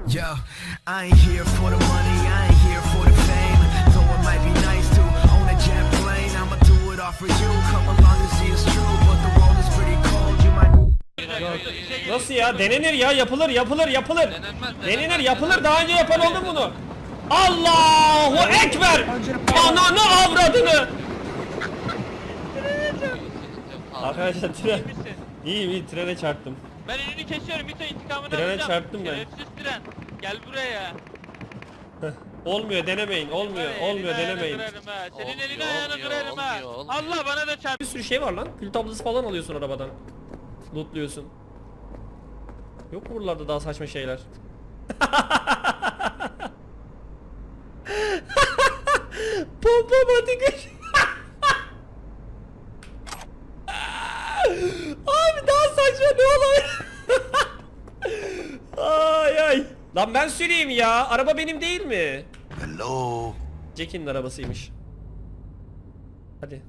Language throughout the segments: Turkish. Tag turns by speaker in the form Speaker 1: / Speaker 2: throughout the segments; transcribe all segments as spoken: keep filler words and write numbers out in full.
Speaker 1: Yo, I ain't here for the money, I ain't here for the fame. Though it might be nice to own a jet plane, I'ma do it all for you. Come along and see it's true, but the world is pretty cold. You might.
Speaker 2: Nasıl ya? Denenir ya, yapılır, yapılır, yapılır. Denenir, yapılır. Daha önce yapan oldu bunu. Allahu Ekber! Ananı avradını! Arkadaşlar tren. İyi iyi trene çarptım.
Speaker 3: Ben önünü kesiyorum, Mito intikamını
Speaker 2: Trene
Speaker 3: alacağım.
Speaker 2: çarptım ben.
Speaker 3: Şerefsiz tren. Gel buraya.
Speaker 2: Olmuyor, denemeyin. Olmuyor,
Speaker 3: Var ya,
Speaker 2: olmuyor,
Speaker 3: elini
Speaker 2: denemeyin.
Speaker 3: ayağını kırarım ha. Senin
Speaker 4: Olmuyor,
Speaker 3: elini ayağını
Speaker 4: olmuyor,
Speaker 3: kırarım ha.
Speaker 4: olmuyor, olmuyor.
Speaker 3: Allah bana da çarp.
Speaker 2: Bir sürü şey var lan. Kül tablası falan alıyorsun arabadan. Lootluyorsun. Yok mu buralarda daha saçma şeyler? Pompamatik. Abi daha saçma ne olabilir? Ay ay. Lan ben süreyim ya. Araba benim değil mi?
Speaker 1: Hello.
Speaker 2: Jack'in arabasıymış. Hadi.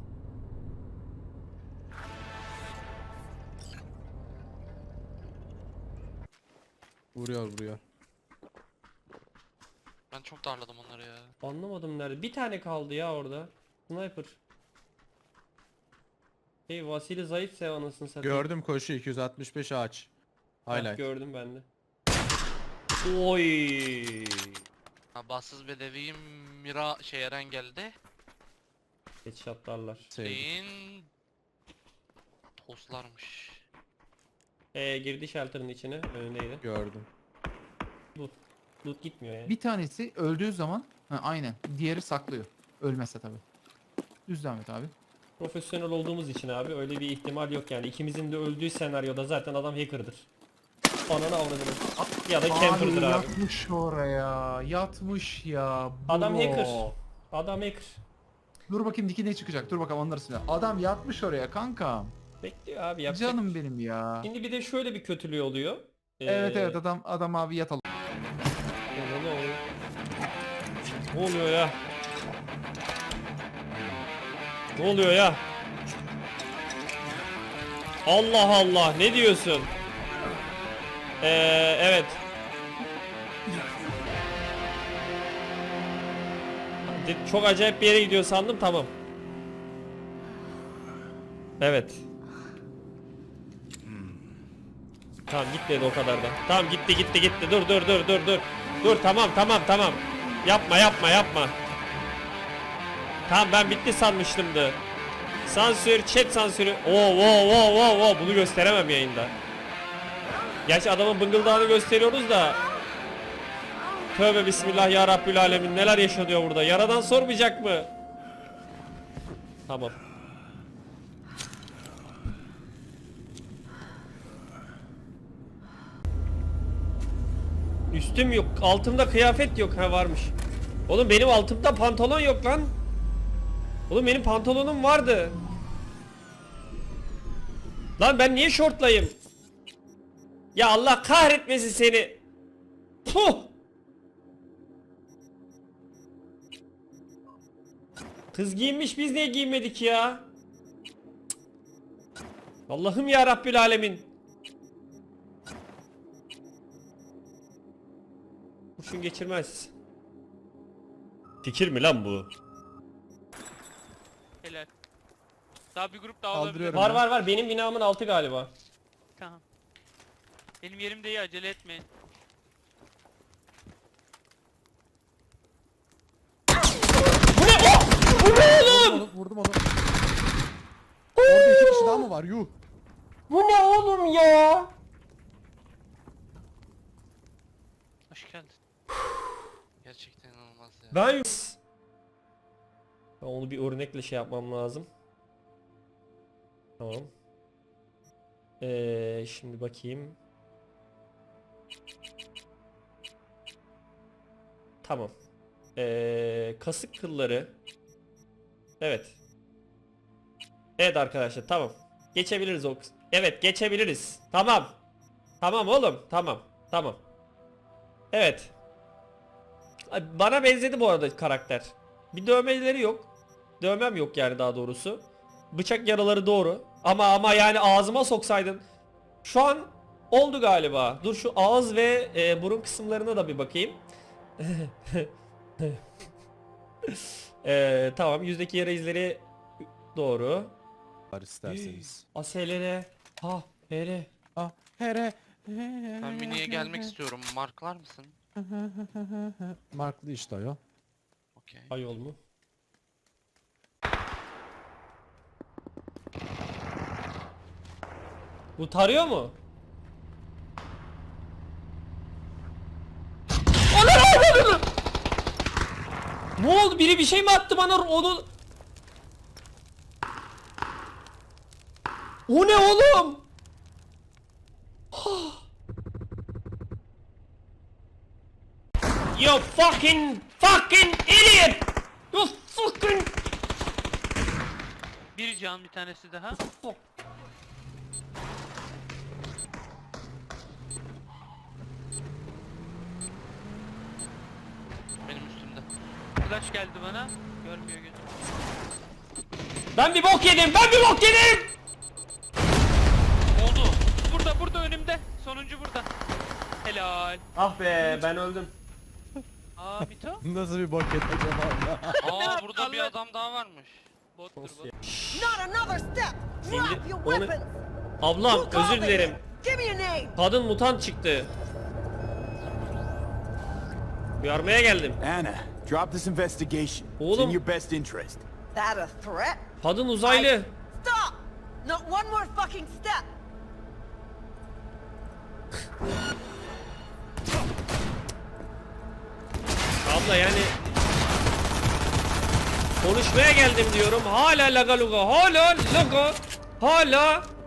Speaker 5: Vuruyor vuruyor.
Speaker 4: Ben çok darladım onları ya.
Speaker 2: Anlamadım nerede. Bir tane kaldı ya orada. Sniper. Hey Vasili zayıf sev anasını satayım.
Speaker 5: Gördüm koşu iki yüz altmış beş ağaç.
Speaker 2: Hah,
Speaker 5: Highlight.
Speaker 2: gördüm ben de. Oy.
Speaker 4: Ha, bassız bedeviyim Mira şey Eren geldi.
Speaker 2: Headshotlarlar.
Speaker 5: Sevdim.
Speaker 4: Şeyin toslarmış.
Speaker 2: Ee, girdi shelter'ın içine. Önündeydi.
Speaker 5: Gördüm.
Speaker 2: Loot. Loot gitmiyor yani.
Speaker 6: Bir tanesi öldüğü zaman ha, aynen. Diğeri saklıyor. Ölmezse tabi. Düz devam et abi.
Speaker 2: Profesyonel olduğumuz için abi öyle bir ihtimal yok yani. İkimizin de öldüğü senaryoda zaten adam hacker'dır. Ananı avradını. Ya da camper'dır abi.
Speaker 6: Yatmış oraya. Yatmış ya.
Speaker 2: Adam
Speaker 6: bro.
Speaker 2: hacker. Adam hacker.
Speaker 6: Dur bakayım diki ne çıkacak. Dur bakalım onları silah. Adam yatmış oraya kanka.
Speaker 2: Bekliyor abi yapacak.
Speaker 6: Canım benim ya.
Speaker 2: Şimdi bir de şöyle bir kötülüğü oluyor. Ee,
Speaker 6: Evet evet adam adam abi yatalım.
Speaker 2: Ne oluyor? Ne oluyor ya? Ne oluyor ya? Allah Allah, ne diyorsun? Ee, evet. Çok acayip bir yere gidiyor sandım, tamam. Evet. Tamam gitmedi o kadar da. Tamam gitti gitti gitti. Dur dur dur dur dur. Dur tamam tamam tamam. Yapma yapma yapma. Tamam ben bitti sanmıştımdı. Sansür, chat sansürü. Oo oo oo oo oo bunu gösteremem yayında. Gerçi adamın bıngıldağını gösteriyoruz da. Tövbe bismillah ya Rabbül Alemin, neler yaşanıyor burada? Yaradan sormayacak mı? Tamam. Üstüm yok, altımda kıyafet yok. Ha varmış. Oğlum benim altımda pantolon yok lan. Oğlum benim pantolonum vardı. Lan ben niye şortlayayım? Ya Allah kahretmesin seni. Puh. Kız giyinmiş, biz niye giyinmedik ya? Allah'ım ya Rabbül Alemin. Kurşun geçirmez. Fikir mi lan bu?
Speaker 3: Helal. Daha bir grup daha olabilir.
Speaker 5: Kaldırıyorum.
Speaker 2: Var var var, benim binamın altı galiba.
Speaker 3: Tamam. Benim yerimde iyi, acele etmeyin.
Speaker 2: Bu ne? Oh! Bu ne oğlum?
Speaker 5: Vurdum, vurdum onu. Orada iki kişi daha mı var? Yuh.
Speaker 2: Bu ne oğlum ya?
Speaker 4: Hoş geldin. Gerçekten inanılmaz ya.
Speaker 2: Ben Ben onu bir örnekle şey yapmam lazım. Tamam. Ee, şimdi bakayım. Tamam. Ee, kasık kılları. Evet. Evet arkadaşlar, tamam. Geçebiliriz o kız. Evet geçebiliriz. Tamam. Tamam oğlum. Tamam. Tamam. Evet. Ay, bana benzedi bu arada karakter. Bir dövmeleri yok. Dövmem yok yani, daha doğrusu. Bıçak yaraları doğru. Ama ama yani ağzıma soksaydın. Şu an Oldu galiba. Dur şu ağız ve e, burun kısımlarına da bir bakayım. e, tamam yüzdeki yara izleri doğru.
Speaker 5: Var isterseniz.
Speaker 2: Aselere. Ha hele.
Speaker 5: Ah here.
Speaker 4: Ben miniye gelmek istiyorum. Marklar mısın?
Speaker 5: Marklı işte o.
Speaker 4: Okey.
Speaker 2: Ayol mu? Bu tarıyor mu? Ana! Ne oldu? Biri bir şey mi attı bana? Onu... O ne oğlum? You fucking fucking idiot! You fucking...
Speaker 3: Bir can bir tanesi daha.
Speaker 4: Benim üstümde.
Speaker 3: Flash geldi bana. Görmüyor gözüm.
Speaker 2: Ben bir bok yedim. Ben bir bok yedim.
Speaker 3: Oldu. Burada burada önümde. Sonuncu burada. Helal.
Speaker 2: Ah be ben öldüm.
Speaker 3: Aa Mito.
Speaker 5: Nasıl bir boket acaba?
Speaker 4: Aa burada bir adam daha varmış.
Speaker 3: Bottur bot.
Speaker 7: Not another step! Drop your
Speaker 2: onu-
Speaker 7: weapons!
Speaker 2: Ablam
Speaker 7: Who called
Speaker 2: özür
Speaker 7: me?
Speaker 2: dilerim.
Speaker 7: Give me your name!
Speaker 2: Kadın mutant çıktı. Uyarmaya geldim.
Speaker 8: Anna, drop this investigation. It's
Speaker 2: Oğlum.
Speaker 8: in your best interest.
Speaker 7: That a threat?
Speaker 2: Kadın uzaylı.
Speaker 7: Stop! Not one more fucking step!
Speaker 2: Abla yani konuşmaya geldim diyorum. Hala laga luga. Hala laga. Hala